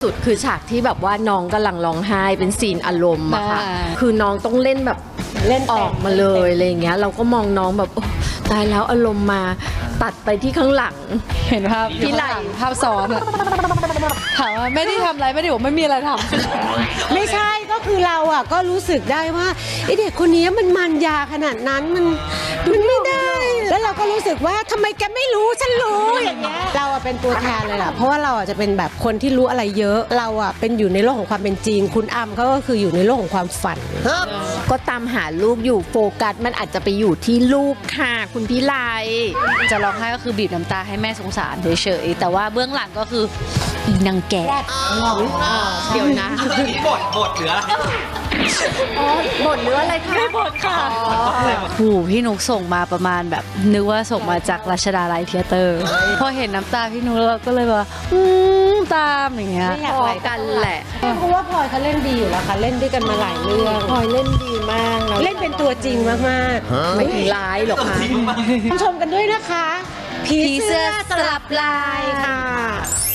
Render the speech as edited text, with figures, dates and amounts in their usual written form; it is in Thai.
สุดคือฉากที่แบบว่าน้องกำลังร้องไห้เป็นซีนอารมณ์อะค่ะคือน้องต้องเล่นแบบเล่นออกมาเลยอะไรอย่างเงี้ยเราก็มองน้องแบบโอ้ตายแล้วอารมณ์มาตัดไปที่ข้างหลังเห็นภาพพี่ไหลภาพซ้อนอะถามว่าไม่ได้ทำอะไรไม่ได้บอกไม่มีอะไรทำไม่ใช่ก็คือเราอ่ะก็รู้สึกได้ว่าไอเด็กคนนี้มันยาขนาดนั้นมันไม่ได้ แล้วเราก็รู้สึกว่าทำไมแกไม่รู้ฉันรู้อย่างเงี้ยเราอ่ะเป็นตัวแทนเลยล่ะเพราะว่าเราอ่ะจะเป็นแบบคนที่รู้อะไรเยอะเราอ่ะเป็นอยู่ในโลกของความเป็นจริงคุณอ้ำเขาก็คืออยู่ในโลกของความฝันก็ตามหาลูกอยู่โฟกัสมันอาจจะไปอยู่ที่ลูกค่ะคุณพี่ไลจะร้องไห้ก็คือบีบน้ำตาให้แม่สงสารเฉยๆแต่ว่าเบื้องหลังก็คืออีนางแก่เดี๋ยวนะบทหรืออะไรบทหรืออะไรคะบทค่ะหูพี่นุกส่งมาประมาณแบบนึกว่าส่งมาจากรัชดาลัยเธียเตอร์พอเห็นน้ำตาพี่นุกเราก็เลยว่าตามอย่างเงี้ยพอกันแหละเพราะว่าพลอยเขาเล่นดีอยู่แล้วค่ะเล่นด้วยกันมาหลายเรื่องพลอยเล่นดีมากเล่นเป็นตัวจริงมากๆไม่ถึงร้ายหรอกค่ะชมกันด้วยนะคะผีเสื้อสลับลายค่ะ